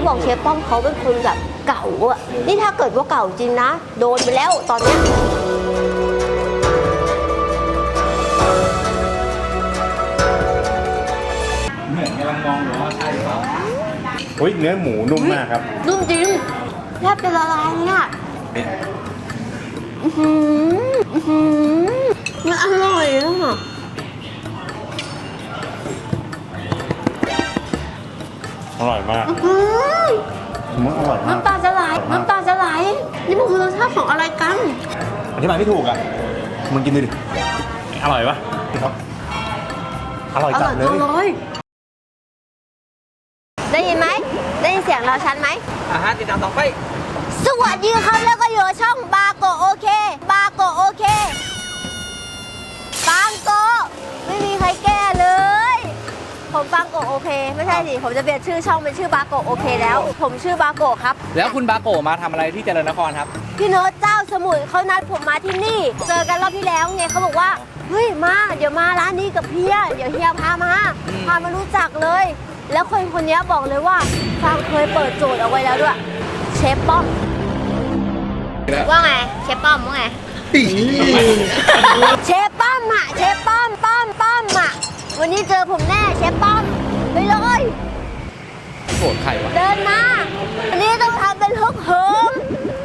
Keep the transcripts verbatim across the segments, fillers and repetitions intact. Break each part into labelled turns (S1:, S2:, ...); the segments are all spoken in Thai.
S1: บอกเชฟป้อมเขาเป็นคนแบบเก่าอะนี่ถ้าเกิดว่าเก่าจริงนะโดนไปแล้วตอนเนี้ย
S2: เหมือนกำลังมองอยู่ว่าใช่เปล่า
S3: อุ้ยเนื้อหมูนุ่มมากครับ
S1: นุ่มจริงแทบจะละลายเลยอะอื้อหืออื้อหือมันอร่อยอะ
S3: อร่อยมาก
S1: อื้อ
S3: มันอร่อยมาก
S1: น้ำตาจะไหลน้ำตาจะไหลนี่มันคือรสชาติของอะไรกัน
S3: อธิบายไม่ถูกอ่ะมึงกินดูดิอร่อยปะครับอร่อย
S1: อ
S3: จั
S1: ร่
S3: ด
S1: อย
S3: เล
S1: จัง
S3: ย
S1: เลยได้ยินไหมได้ยินเสียงเราชัดไหม
S2: อาหารติดตามต่อไป
S1: สวัสดีครับแล้วก็อยู่ช่องบาโกโอเคบาโกโอเคปังโกไม่มีใครแก้เลยผมปังโกโอเคไม่ใช่สิผมจะเปลี่ยนชื่อช่องเป็นชื่อบาโกโอเคแล้วผมชื่อบาโกครับ
S2: แล้วคุณบาโกะมาทำอะไรที่เจริญนครครับ
S1: พี่โน้ตเจ้าสมุยเขานัดผมมาที่นี่ เจอกันรอบที่แล้วไงเขาบอกว่าเฮ้ยมาเดี๋ยวมาร้านนี้กับเฮียเดี๋ยวเฮียพามาพามารู้จักเลย แล้วคนคนนี้บอกเลยว่าฟางเคยเปิดโจทย์เอาไว้แล้วด้วยเชฟป้อมว่าไงเชฟป้อมว่าไงเชฟป้อมอะเชฟป้อมป้อมป้อมอะวันนี้เจอผมแน่เชฟป้อมไปเลย
S2: โกรธใครวะ
S1: เดินมาอันนี้ต้องทำเป็นฮึกเหิม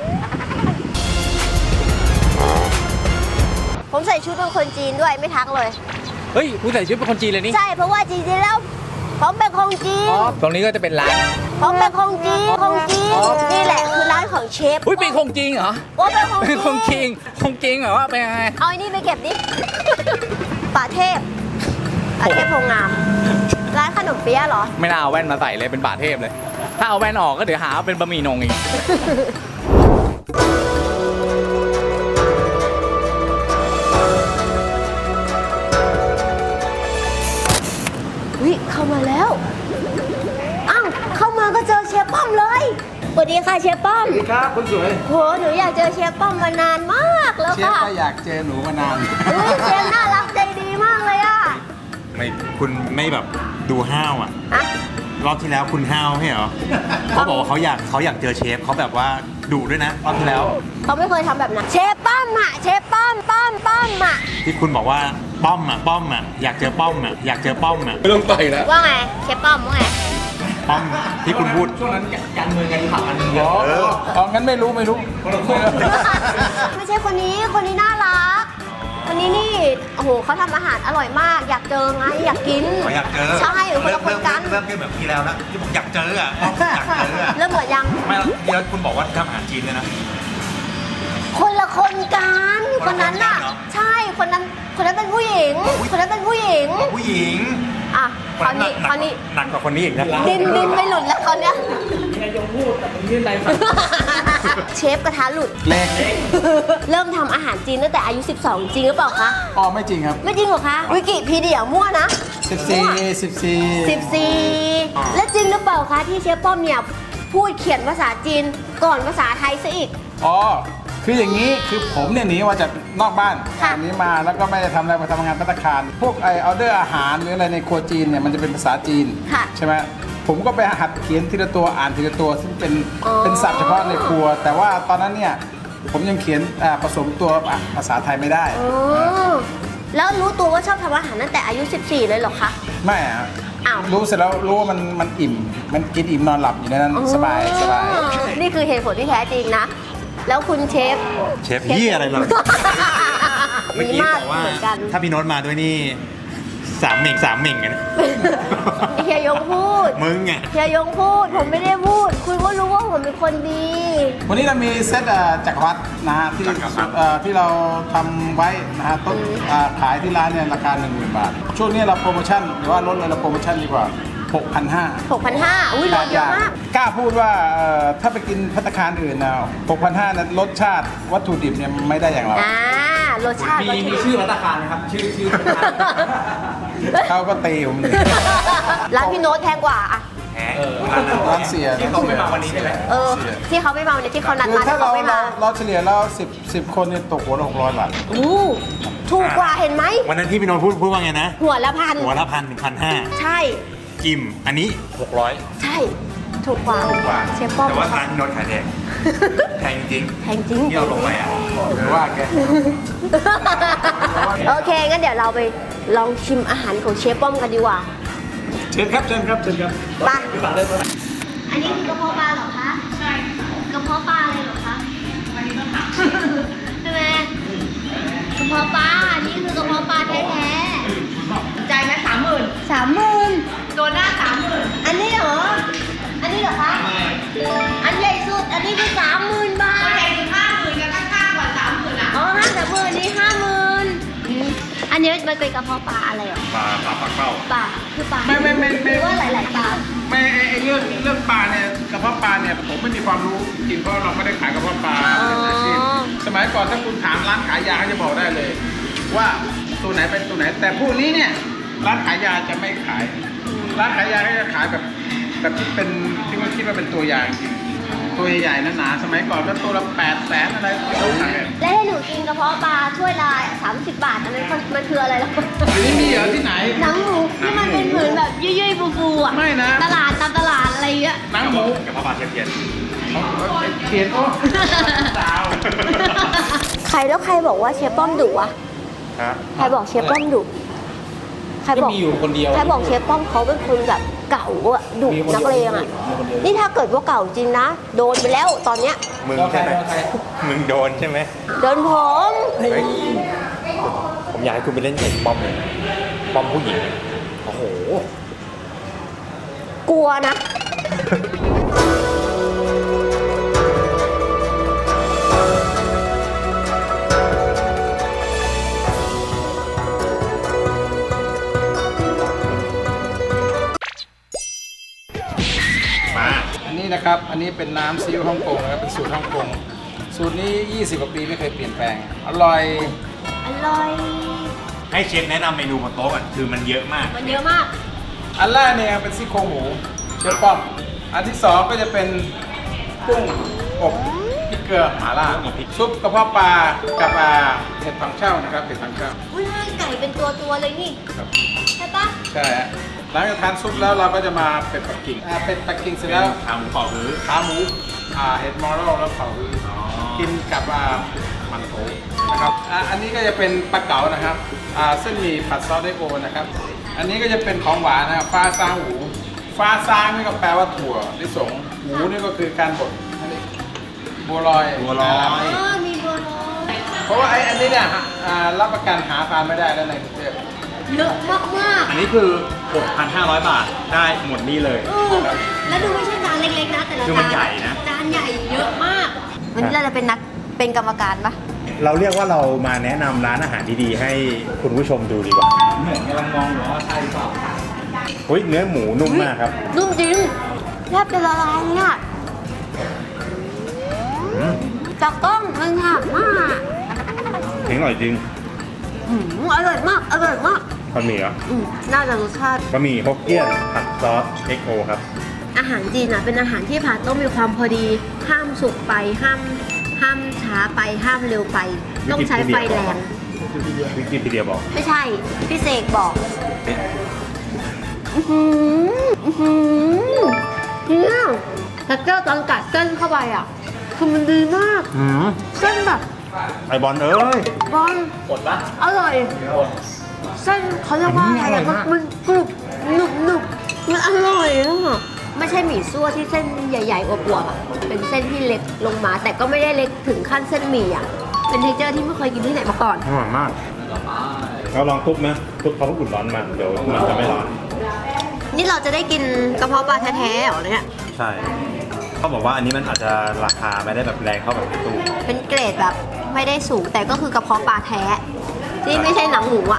S1: ผมใส่ชุดเป็นคนจีนด้วยไม่ทักเลย
S2: เฮ้ยผู้ใส่ชุดเป็นคนจีนเลยนี่
S1: ใช่เพราะว่าจริงๆแล้วผมเป็นคนจีน
S2: อ๋อตรงนี้ก็จะเป็นร้าน
S1: ผมเป็นคนจีนคนจีน
S2: อ๋อ
S1: นี่แหละคือร้านของเชฟ
S2: อุ้ยเป็นคงจริงเหรอ
S1: โอ้เป็นคน
S2: เป็นคงจ
S1: จี
S2: ริง
S1: น
S2: คงจริงเหรอว่าเป็นยังไง
S1: เอาไอ้นี่ไปเก็บดิป่าเทพป่าเทพโพงาม ร้านขนมเปี๊ยะเหรอ
S2: ไม่น่าเอาแว่นมาใส่เลยเป็นบาทเทพเลย ถ้าเอาแว่นออกก็เดี๋ยวหาว่าเป็นบะหมี่นงอีก
S1: วิเข้ามาแล้วอ้าวเข้ามาก็เจอเชฟป้อมเลยสวัสดีค่ะเชฟป้อม
S4: สวัสดีครับคุณสวย
S1: โหหนูอยากเจอเชฟป้อมมานานมากแล้ว
S4: เชฟ
S1: ค่ะ
S4: ก็อยากเจอหนูมานาน
S1: เฮ้ยเชฟน่ารักใจดีมากเลยอ่ะ
S3: ไม่คุณไม่แบบดูห้าวอ่ะ
S1: อะ
S3: รอบที่แล้วคุณห้าวใช่เหรอเขาบอกว่าเขาอยากเขาอยากเจอเชฟเขาแบบว่าดุด้วยนะรอบที่แล้ว
S1: เขาไม่เคยทำแบบนั้นเชฟป้อมอ่ะเชฟป้อมป้อมป้อมอ่ะ
S3: ที่คุณบอกว่าป้อมอ่ะป้อมอ่ะอยากเจอป้อมอ่ะอยากเจอป้อมอ่ะ
S4: ไม่ต้องไปแล้ว
S1: ว่าไงเชฟป้อมว่าไง
S3: ป้อมที่คุณพูด
S2: ช่วงนั้นการเมืองกันผักกันเย
S4: อ๋
S2: อะ
S4: ออ๋องั้นไม่รู้ไม่รู้
S1: ไม่ใช่คนนี้คนนี้น่ารักคนนี้นี่โอ้โหเขาทำอาหารอร่อยมาก อยากเจอไงอยากกิน
S3: เขาอยากเจอ
S1: ใช่คนละคนกัน
S3: เริ่มเริ่มแบบที่แล้วนะที่ผมอยากเจออ่ะป้อมอยากเจออ่ะ
S1: เริ่มเหมือนยัง
S3: ไม่แล้วที่แล้วคุณบอกว่าทำอาหารจีนเลยนะ
S1: คนละคนกันคนนั้นน่ะ
S3: คนละคนกันเหรอ
S1: ใช่คนนั้นคนนั้นเป็นผู้หญิง คนนั้นเป็นผู้หญิง
S3: ผู้หญิง
S1: อ่ะคราวนี้คราวนี้
S3: หนักกว่าคนนี้อีกนะ
S1: ดินดินไม่หลุดแล้วคราวเนี้ย
S2: นายยงพูดแต่ผมยื่นไรฝัน
S1: เชฟกระทะหลุด
S4: เล็ก
S1: เริ่มทำอาหารจีนตั้งแต่อายุ สิบสอง จริงหรือเปล่าคะ
S4: อ๋อไม่จริงครับ
S1: ไม่จริงเหรอคะวิกิพีเดียมั่วนะ
S4: สิบสี่สิบสี่
S1: สิบสี่และจริงหรือเปล่าคะที่เชฟป้อมเนี่ยพูดเขียนภาษาจีนก่อนภาษาไทยซะอีก
S4: อ๋อคืออย่างนี้คือผมเนี่ยหนีมาจากนอกบ้าน
S1: ค่ะ
S4: หนีมาแล้วก็ไม่ได้ทำอะไรมาทำงานภัตตาคารพวกไอออเดอร์อาหารหรืออะไรในครัวจีนเนี่ยมันจะเป็นภาษาจีน
S1: ค่ะ
S4: ใช่ไหมผมก็ไปหัดเขียนทีละตัวอ่านทีละตัว ซึ่งเป็น
S1: อ๋อ
S4: เป็นศัพท์เฉพาะในครัว แต่ว่าตอนนั้นเนี่ยผมยังเขียนอ่าผสมตัวภาษาไทยไม่ได้
S1: อ๋อแล้วรู้ตัวว่าชอบทำอาหารตั้งแต่อายุ สิบสี่ เลยเหรอคะ
S4: ไม่อะ
S1: อ้าว
S4: รู้เสร็จแล้วรู้ว่ามันมันอิ่ม มันกินอิ่มนอนหลับอยู่ในนั้นสบายสบาย
S1: อ๋อนี่คือเหตุผลที่แท้จริงนะ แล้วคุณเชฟ
S3: เชฟเฮียอะไรล่ะ เมื่อ
S1: ดี
S3: กี้
S1: มาก
S3: บอกว่า
S1: เหมือนกัน
S3: ถ้าพี่โน้ตมาด้วยนี่สามเหม่งสามเหม่งกันนะ
S1: เฮียยงพูด
S3: มึงไง
S1: เฮียยงพูด ผมไม่ได้พูด คุณก็รู้ว่าผมเป็นคนดี
S4: วันนี้เรามีเซตเอ่อจักรวรรดินะฮะที่
S3: จักรวรรดิ
S4: เอ่อที่เราทำไว้นะฮะต้นอ่าขายที่ร้านเนี่ยราคา หนึ่งหมื่น บาท ช่วงนี้เราโปรโมชั่นหรือว่าลดเลยเราโปรโมชั่นดีกว่า หกพันห้าร้อย
S1: หกพันห้าร้อยอุ้ยลดเยอะมาก
S4: กล้าพูดว่าเอ่อถ้าไปกินภัตตาคารอื่นนะหกพันห้าร้อยนั้นรสชาติวัตถุดิบเนี่ยไม่ได้อย่างเรา
S1: อ่ารสชาติ
S2: มี
S1: ก็
S2: มีชื่อรัตคารไหมครับ ชื่อชื่อรัตคาร
S4: เขาก็ตีผมเลย
S1: ร้านพี่โน้ตแพงกว่าอะ
S3: แหม
S4: ร้านเสีย
S2: ที่เขาไม่มาวันนี้ใช่ไหม
S1: เออ ที่เขาไม่มาเนี่ยที่เขานัด
S4: คือ
S1: มา
S4: ถ้า
S1: ที่
S4: เรา
S1: เขาไม่
S4: เรา
S1: มา
S4: เราเฉลี่ยแล้วสิบสิบคนเนี่ยตกหัวละหกร้อยบาท
S1: อู้ถูกกว่าเห็นไหม
S3: วันนั้นที่พี่โน้ตพูดพูดว่าไงนะ
S1: หัวละพัน
S3: หัวละพันถึงพันห้า
S1: ใช่
S3: กิม อันนี้หกร้อย
S1: ใช่ถูกกว่า
S3: ถูกกว่า
S1: เชฟป้อม
S3: แต่ว่าร้านที่โนดขายแพงแพงจริง
S1: แพงจริง
S3: ที่เราลงไปอ่ะ
S4: หรือว่าแก
S1: โอเค งั้นเดี๋ยวเราไปลองชิมอาหารของเชฟป้อมกันดีกว่า
S4: เชิญครับเชิญครับเชิญครับ
S1: ไปอันนี้คือกระเพาะปลาเหรอคะ ใช่กระเพาะปลาอะไรเหรอคะอันนี้ต้องถามใช่ไหมกระเพาะปลาอันนี้คือกระเพาะปลาแท้ๆใจไหมสามหมื่นสามหมื่นตัวหน้าสามหมื่นอันนี้เหรอ อันนี้เหรอคะ อันใหญ่สุด อันนี้คือสามหมื่นบาท
S5: ใหญ่ถึงห้าหมื่นกันข้างๆกว่าสามหมื่นอ่ะ
S1: อ๋อห้าสามหมื่นนี่ห้าหมื่นอันนี้มันเป็นกระเพาะปลาอะไรเหรอ
S3: ปลาปลาปลาเป้า
S1: ปลาคือปลา
S4: ไม่ไม่ไม่
S1: ห
S4: ไม่
S1: รือว่าหลาย ๆ ปลา
S4: ไม่ไอ้ไอ้เรื่องเรื่องปลาเนี่ยกระเพาะปลาเนี่ยผมไม่มีความรู้จริงเพราะเราไม่ได้ขายกระเพาะปลา
S1: อ๋อ
S4: เป็นอาชีพสมัยก่อนถ้าคุณถามร้านขายยาเขาจะบอกได้เลย ว่าตัวไหนเป็นตัวไหน แต่พวกนี้เนี่ยร้านขายยาจะไม่ขาย ร้านขายยาเขาจะขายแบบแบบที่เป็นที่มันคิดว่าเป็นตัวยาจริงๆตัวใหญ่ๆหนาๆสมัยก่อนก็ตัวละแปดแสนอะไรเขาขาย
S1: แล้วให้หนูกินกระเพาะปลาถ้วยละสามสิบบาทอันนั้นมันมันคืออะไรล่ะ
S4: อันนี้มีเหรอที่ไหน
S1: หนังหมูที่มันเป็นเหมือนแบบยุ่ยๆฟูๆอ่ะ
S4: ไม่นะ
S1: ตลาดตามตลาดอะไรเงี้ย
S4: หนังหมู
S3: กับพ่อปลาเทียมเทียน
S4: เขียนโอ้สาว
S1: ใครแล้วใครบอกว่าเชฟป้อมดุวะ
S3: ฮะ
S1: ใครบอกเชฟป้อมดุใคร
S2: ก็
S1: บอก
S2: มีอยู่คนเดียว
S1: ใครบอกเชฟป้อมเขาเป็นคนแบบเก่าอะดุ
S2: มีคนเดียว
S1: นักเลงอะ
S2: มีคนเดียว
S1: นี่ถ้าเกิดว่าเก่าจริงนะ โดนไปแล้วตอนเนี้ย
S3: มึงใช่ไหมมึงโดนใช่ไหม
S1: โดนผม
S3: เฮ้ยผมอยากให้คุณไปเล่นเอกป้อมเลยป้อมผู้หญิงโอ้โห
S1: กลัวนะ
S3: มา
S4: อันนี้นะครับ อันนี้เป็นน้ำซีอิ๊วฮ่องกงนะครับ เป็นสูตรฮ่องกง สูตรนี้ ยี่สิบ กว่าปีไม่เคยเปลี่ยนแปลง อร่อย
S1: อร่อย
S3: ให้เชฟแนะนำเมนูบนโต๊ะก่อนคือมันเยอะมาก
S1: มันเยอะมาก
S4: อันแรกเนี่ยเป็นซี่โครงหมูเชฟป้อม อันที่สองก็จะเป็นกุ้งอบพริกเกลือหม่าล่า
S3: กุ้งอบพริก
S4: ซุปกระเพาะปลากับอ่าเห็ดถังเช่านะครับ เห็ดถังเช่า
S1: อุ้ยไก่เป็นตัวตัวๆเลยนี่
S4: ครับ
S1: ใช่ปะ
S4: ใช่ฮะหลังจากทานซุปแล้วเราก็จะมาเป็ดปักกิ่งอ่าเป็ดปักกิ่งเสร็จ
S3: แล้
S4: แล้ว ว
S3: ขาหมูกรอบหรือ
S4: ขาหมูอ่าเห็ดมอรัลแล้วเผาฮือกินกับอ่ามันโถนะครับอ่าอันนี้ก็จะเป็นปลาเก๋านะครับอ่าเส้นหมี่ผัดซอสไดโอนะครับ อันนี้ก็จะเป็นของหวานนะครับฟ้าซางหูฟ้าซางนี่ก็แปลว่าถั่วลิสงหูนี่ก็คือการบดอันนี้บัวลอย
S3: บัวลอย
S1: อ๋อมีบัวลอย
S4: เพราะว่าไอ้อันนี้เนี่ยอ่ารับประกันหาทานไม่ได้แล้วในกรุงเทพ
S1: เยอะมากมาก
S3: อันนี้คือ หกพันห้าร้อย บาทได้หมดนี่เลย
S1: ๆเออแล้วดูไม่ใช่จานเล็กๆนะแต่ละ
S3: คือมัน
S1: จาน
S3: ใหญ่นะ
S1: จานใหญ่เยอะมาก วันนี้เราจะเป็นนักเป็นกรรมการปะ
S3: เราเรียกว่าเรามาแนะนำร้านอาหารดีๆให้คุณผู้ชมดูดีกว่า
S2: เหมือนกำลังมองอยู่ว่าใช่หรือเปล่า
S3: เฮ้ยเนื้อหมูนุ่มมากครับ
S1: นุ่มจริงแทบจะละลายเลยอะ
S3: อืม
S1: จากกล้องมันหามาก
S3: เจ๋งอร่อยจริง
S1: อืมอร่อยมาก อร่อยมาก
S3: บะหมี่เหรอ
S1: อืมน่าจะรสชาติ
S3: บะหมี่ฮกเกี้ยนผัดซอสเอ็กโอครับ
S1: อาหารจีนอ่ะเป็นอาหารที่ผัดต้องมีความพอดี ห้ามสุกไป ห้าม ห้ามช้าไป ห้ามเร็วไป ต้องใช้ไฟแรง
S3: วิกิพีเดียบอก
S1: ไม่ใช่ พี่เสกบอก
S3: เอ๊ะ
S1: อื้อหืออื้อหือเนี่ยแต่เจ้าตอนกัดเส้นเข้าไปอ่ะ คือมันดีมาก
S3: หืม
S1: เส้นแบบ
S3: ไอบอลเอ้ย
S1: บอล
S2: กดปะ
S1: อร่อย เส้นเขาเรียกว่าอะไร
S3: อันนี้อร่อย
S1: อะ
S3: มาก
S1: มันกรุบหนุบหนุบมันอร่อยอะไม่ใช่หมี่ซั่วที่เส้นใหญ่ๆอวบๆอะเป็นเส้นที่เล็กลงมา แต่ก็ไม่ได้เล็กถึงขั้นเส้นหมี่อะเป็นเทคเจอร์ที่ไม่เคยกินที่ไหนมาก่อน
S3: อร่อยมากเราลองทุบนะทุบเขาเพิ่งอุ่นร้อนมาเดี๋ยวมันจะไม่ร้อน
S1: นี่เราจะได้กินกระเพาะปลาแท้ๆเหรอเนี่ย
S3: ใช่เขาบอกว่าอันนี้มันอาจจะราคาไม่ได้แบบแรงเท่าแบบในตู้
S1: เป็นเกรดแบบไม่ได้สูงแต่ก็คือกระเพาะปลาแท้ ที่ไม่ใช่หนังหมูอะ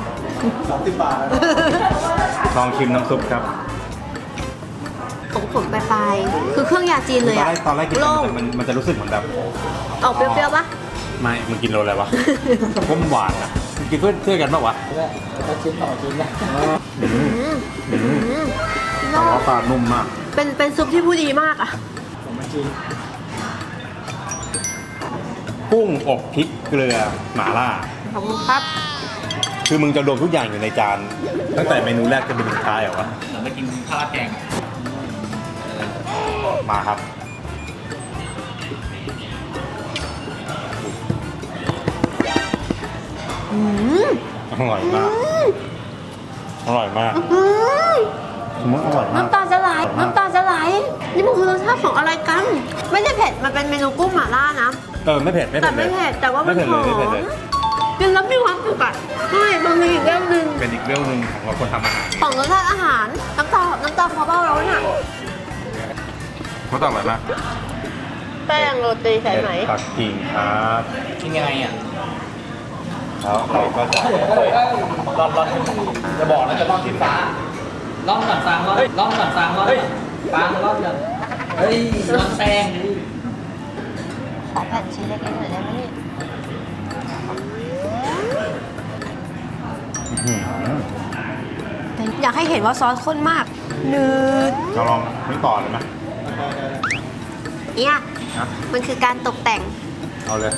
S3: ลองชิมน้ำซุปครับ
S1: ขมๆปลายๆคือเครื่องยาจีนเลย
S3: ตอน
S1: อะ
S3: แรกตอนแรกกิน
S1: โล่ง
S3: มันมันจะรู้สึกเหมือนแบบ
S1: ออกเปรี้ยวๆปะ
S3: ไม่มึงกินโรอะไรวะ ก็มันหวานอ่ะมึงกินเพื่อนเพื่อนกันปะวะ
S2: แล้วก็ชิ้นต่อชิ้นนะ
S3: อืม
S1: อืม
S3: อืม
S1: อืม
S3: กระเพาะปลานุ่มมาก
S1: เป็นเป็นซุปที่ผู้ดีมากอะ
S2: ผมมาชิม
S3: กุ้งอบพริกเกลือหม่าล่า
S1: ขอบคุณครับ
S3: คือมึงจะรวมทุกอย่างอยู่ในจาน ตั้งแต่เมนูแรกจนเป็นสุดท้ายเหรอวะ
S2: เหมือนไปกินข้าวราดแกงอะ
S3: มาครับ
S1: อืม
S3: อร่อยมาก อร่อยมาก
S1: อืม
S3: มันอร่อยมาก
S1: น้ำตาจะไหลน้ำตาจะไหลนี่มันคือรสชาติของอะไรกัน ไม่ได้เผ็ดมันเป็นเมนูกุ้งหม่าล่านะ
S3: เออไม่เผ็ดไม่
S1: แต่
S3: เผ็ดเลย
S1: ไม่เผ็ดแต่ว่ามัน
S3: ไม่เผ็ด
S1: ห
S3: เล
S1: อย
S3: ไม่เผ็ด
S1: ม
S3: เลย
S1: กินแล้วมีความสุขอ่ะใช่มันมีอีกเรื่องหนึ่ง
S3: เป็นอีกเรื่องหนึ่งของคนทำอาหาร
S1: ของรสชาติอาหารน้ำตาน้ำตาพอเบ้าแล้วน่ะ
S3: เขาต้องอร่อยมาก
S1: แป้งโรตีใช่ไหม
S3: ปักกิ่งครับ
S2: กินยังไงอ่ะ
S3: แล้วเราก็จะ
S2: ร่อนร่อนจะบอกนะจะร่อนที่ฟ้าร่อนก่อนฟางร่อนร่อนก่อนฟางร่อนฟางร่อนก่อนเฮ้ยร่อนแป้งดิ
S1: ขอแผ่นชิ้นเล็กๆหน่อยได้ไหมนี่
S3: อื้อหือ
S1: อยากให้เห็นว่าซอสข้นมากนืด
S3: เราลองนึกต่อเลยไหม
S1: เนี่ย
S3: นะ
S1: มันคือการตกแต่ง
S3: เอาเลย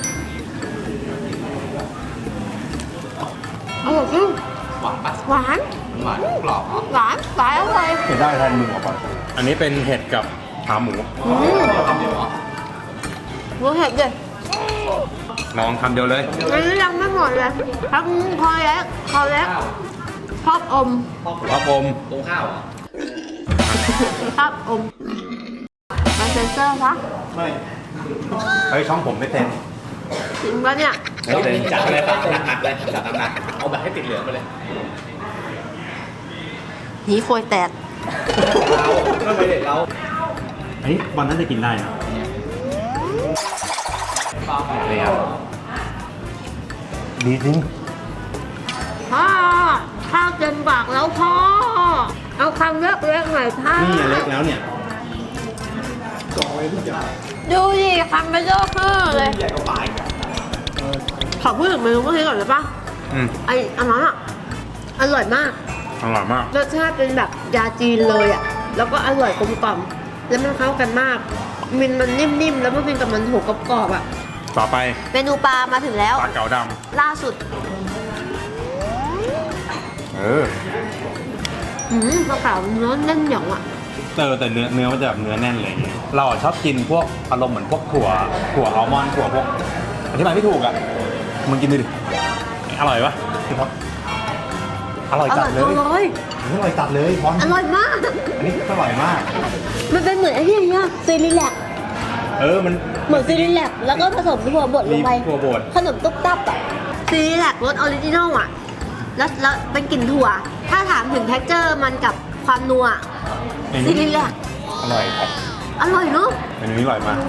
S1: อร่อยจริง
S2: หวานปะ
S1: หวาน
S2: หวานกรอบเหรอ
S1: หวานหวานอร่อย
S3: เห็นได้แทนมึงเหรอก่อนอันนี้เป็นเห็ดกับขาหมู
S1: อืม
S2: ทำเดี๋ยวเหรอ
S1: รู้เห็ดดิ
S3: ลองคำเดียวเลย
S1: อันนี้ยังไม่หมดเลยทั้งพอแล้วพอแล้ว
S2: ข้าว
S1: ชอบอม
S3: ครับผม
S2: ตรงข้าวเหรอ
S1: ชอบอมมาเซนเซอร์ปะ
S3: ไม่เฮ้ยช่องผมไม่เต็ม
S1: จริงปะเนี่ย
S3: ไม่เต็ม
S2: จัดเลยปะหนักๆเลยจัดหนักๆเอาแบบให้ติดเหลืองไปเลย
S1: หีโคยแตก
S2: เราไม่เด็ดเรา
S3: เฮ้ยวันนั้นจะกินได้นะนี่ครับดีจริง
S1: พ่อข้าวเต็มปากแล้วพ่อ เอาคำเล็กๆหน่อยพ่อ
S3: นี่เล็กแล้วเนี่ย
S1: ดูดิคำไม่เยอะขึ้นเลยขอพูดถึงเมนูเมื่อกี้ก่อนเลยปะ
S3: อืม
S1: ไออันนั้นอะอร่อยมาก
S3: อร่อยมาก
S1: รสชาติเป็นแบบยาจีนเลยอะแล้วก็อร่อยกลมกล่อมแล้วมันเข้ากันมาก มินมันนิ่มๆ แล้วมันกินกับมันถูกกรอบๆอะ
S3: ต่อไป
S1: เมนูปลามาถึงแล้ว
S3: ปลาเก๋าด
S1: ล่าสุด
S3: ำเออ
S1: อืมปลาเก๋าเนื้อแน่นหยองอะ
S3: เออแต่เนื้อเนื้อมันจะแบบเนื้อแน่นเลยอย่างเงี้ยเราอะชอบกินพวกอารมณ์เหมือนพวกถั่วถั่วอัลมอนด์ถั่วพวกอธิบายไม่ถูกอ่ะมึงกินดูดิอร่อยปะครับอร่อย
S1: อ
S3: จั
S1: ร่
S3: ด
S1: อย
S3: เล
S1: จัง
S3: ย
S1: เลย
S3: อร่อยจัดเลยพอน
S1: อร่อยมาก
S3: อันนี้อร่อยมาก
S1: มันเป็นเหมือนไอ้ที่อย่างเงี้ยซีรีแลก
S3: เออมัน
S1: เหมือนซีรีแลกแล้วก็ผสมถั่วบดล
S3: มี
S1: งไป
S3: ถั่วบด
S1: ขนมตุ๊บตับอะซีรีแลกรสออริจินอลอะแล้วแล้วเป็นกลิ่นถั่ว ถ้าถามถึง เท็กเจอร์ มันกับความนัว
S3: อัน
S1: ซี
S3: นี้
S1: รีแลก
S3: อร่อยครับ
S1: อร่อยเนอะ
S3: อันนี้อร่อยมาก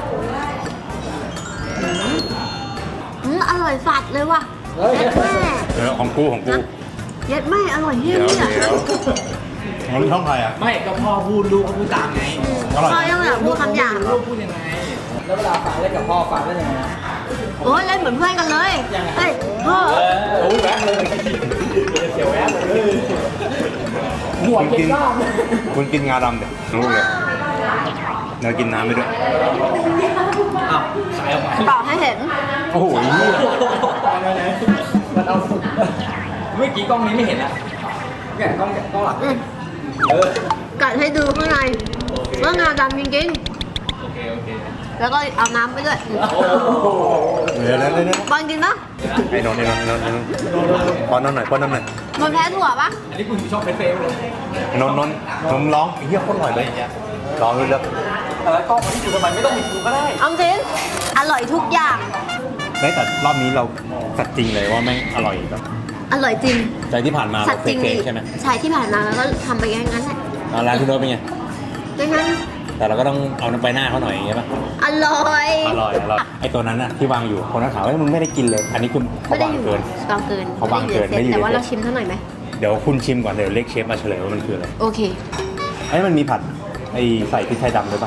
S1: อืมอร่อยสัดเลยว่ะเย็ดแม่
S3: เออของกูของกู
S1: เย็ดแม่อร่อยเฮี้ย
S3: เดี๋ยว
S1: เนี่ย
S3: เดี๋ยวของช่องใครอ่ะ
S2: ไม่ก็พ่อพูดลูกก็พูดตามไง
S3: อร่อย
S1: พ่อยังแบบพูดคำหยาบ
S2: ลูกพูดยังไง แล้วเวลาฟังเล่นกับพ่อฟังเล่นยังไง
S1: โอ้ยเล่นเหมือนเพื่อนกันเลยเฮ้ยพ่อ
S2: โอ้ยแวะเลยเสียวแวะเลยหัว
S3: คุณ
S2: เก็
S3: กิ
S2: บ
S3: น
S2: บ้าง
S3: คุณกินงาดำเดี๋ยวรู้เลยเดี๋ยวกินน้ำไปด้วย
S2: อ้าวสายออกมา
S1: ต่อให้เห็น
S3: โอ้โหเหี้ย
S2: มันเอาเมื่อกี้กล้องนี้ไม่เห็นอะเนี่ยกล้องกล้องหลัง
S1: อืม
S2: เออ
S1: กัดให้ดูข้างในว่างาดำจริง
S2: โอเคโอเค
S1: ๆแล้วก็เอาน้ำไปด้วย
S3: เดี๋ยวเดี๋ยวเดี๋ยวเดี๋ยว
S1: บอลกินปะ
S3: ไอ้นนท์ไอ้นนท์ไอ้นนท์ไอ้นนท์ป้อนน้ำหน่อยป้อนน้ำหน่อย
S1: มันแพ้ถั่วปะ
S2: อันนี้คุณชอบเฟซเฟซเลย
S3: ไอ้นนท์นนท์ผมร้องไอ้เหี้ยโคตรอร่อยเลยร้องเลยแล้ว
S2: เออกล้องมันที่อยู่ทำไมไม่ต้องมีกูก็ได้
S1: เอาจริงอร่อยทุกอย่าง
S3: ได้แต่รอบนี้เราสัตว์จริงเลยว่าแม่งอร่อยแบบ
S1: อร่อยจริง
S3: ใจที่ผ่านมา
S1: สั
S3: เรา
S1: ตว์
S3: เฟ
S1: จริง
S3: ก
S1: ดิ
S3: ๆใช่ไหม
S1: ใช่ที่ผ่านมาแล้วก็ทำไปอย่างนั้นแหละ
S3: เอาร้านพี่โน้ตเป็นไง
S1: ดังนั้น
S3: แต่เราก็ต้องเอาน้ำไปหน้าเขาหน่อยอย่างเงี้ยป่ะ
S1: อร่อย
S3: อร่อยอร่อยไอ้ตัวนั้นน่ะที่วางอยู่คนนั้นถามว่ามึงไม่ได้กินเลย อันนี้คุณเขา
S1: ไม่ได้
S3: วาง
S1: อยู่
S3: เกิน
S1: บางเกิน
S3: เขาวางเกิน
S1: ไม่ได้อยู่ในเซ็ต
S3: ไม่ได้อยู่
S1: แต่ว่า
S3: ใน
S1: เรา
S3: เซ็ต
S1: ชิมเท่าหน่อยไหม
S3: เดี๋ยวคุณชิมก่อนเดี๋ยวเรียกเชฟมาเฉลยว่ามันคืออะไร
S1: โอเค
S3: ไอ้มันมีผัดไอ้ใส่พริกไทยดำด้วยป่ะ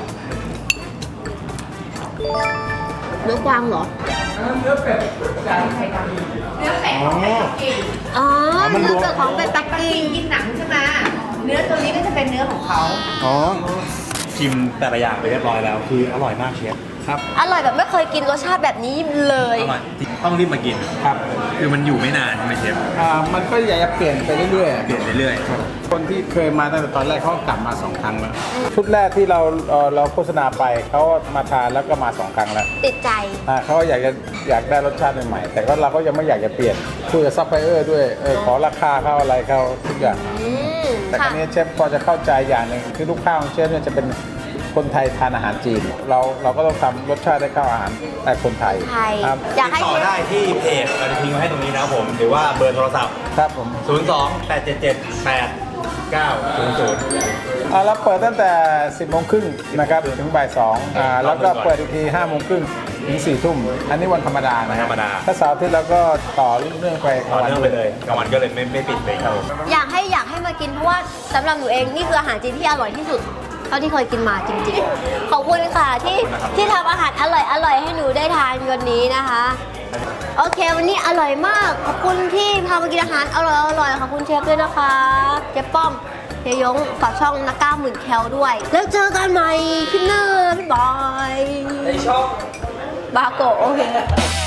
S1: เนื้อกวางเหรอ
S5: เนื้อเป็ด
S3: อ๋อ
S1: อ๋อ
S3: มันร
S1: เนื้อ
S3: วม
S1: เกิดของเป็ดปัก
S5: ปัก
S1: กิ่
S5: กิ่
S1: ง
S5: งกินหนังใช่ไหมเนื้อตัวนี้ก็จะเป็นเนื้อของเขา
S3: อ๋อชิมแต่ละอย่างไปเรียบร้อยแล้ว คืออร่อยมากเชฟครับ
S1: อร่อยแบบไม่เคยกินรสชาติแบบนี้เลย
S3: อร่อยต้องรีบมากินครับ คือมันอยู่ไม่นานใช่ไหมเชฟ
S4: อ่ามันก็อยากจะเปลี่ยนไปเรื่อยๆ
S3: เปลี่ยนเรื่อย
S4: คนที่เคยมาตั้งแต่ตอนแรกเขาก็กลับมาสองครั้งแล้วชุดแรกที่เราเอ่อเราโฆษณาไปเขามาทานแล้วก็มาสองครั้งแล้ว
S1: ติดใจ
S4: อ่าเขาอยากจะอยากได้รสชาติใหม่ๆแต่ก็เราก็ยังไม่อยากจะเปลี่ยนคุยกับซัพพลายเออร์ด้วยเออขอราคาเขาอะไรเขาทุกอย่าง
S1: อืม
S4: แต่ครั้
S1: ค่ะ
S4: นี้เชฟพอจะเข้าใจอย่างหนึ่งคือลูกค้าของเชฟเนี่ยจะเป็นคนไทยทานอาหารจีน เราเราก็ต้องทำรสชาติได้เข้าอาหารแต่คนไทย
S1: ไทย
S4: ครับ
S1: อยากให้
S3: ติดต่อ
S1: เชฟ
S3: ได้ที่เพจเราจะทิ้งไว้ให้ตรงนี้นะครับผมหรือว่าเบอร์โทรศัพท์
S4: ครับผม
S3: ศูนย์ สอง แปด เจ็ด เจ็ด แปด เก้า ศูนย์ ศูนย์
S4: อ่าเราเปิดตั้งแต่ สิบโมงครึ่งนะครับถึงบ่ายสองอ่าแล้วก็เปิดอีกทีห้าโมงครึ่งถึงสี่ทุ่มอันนี้วันธรรมดานะ
S3: ธรรมดา
S4: ถ้าเสาร์อาทิตย์เราก็ต่อเรื่องไป
S3: ต่อเนื่องไปเลยกลางวันก็เลยไม่ไม่ปิดเลยครับผม
S1: อยากให้อยากให้มากินเพราะว่าสำหรับหนูเองนี่คืออาหารจีนที่อร่อยที่สุดเท่าที่เคยกินมาจริงๆ ขอบคุณค่ะที่ที่ทำอาหารอร่อยอร่อยให้หนูได้ทานวันนี้นะคะ โอเควันนี้อร่อยมาก ขอบคุณที่พามากินอาหารอร่อยอร่อยขอบคุณเชฟด้วยนะคะเชฟป้อมเฮียยงฝากช่องนักก้าหมื่นแคลด้วย แล้วเจอกันใหม่คลิปหน้าบ๊ายบาย
S2: ในช่อง
S1: บาโกะโอเค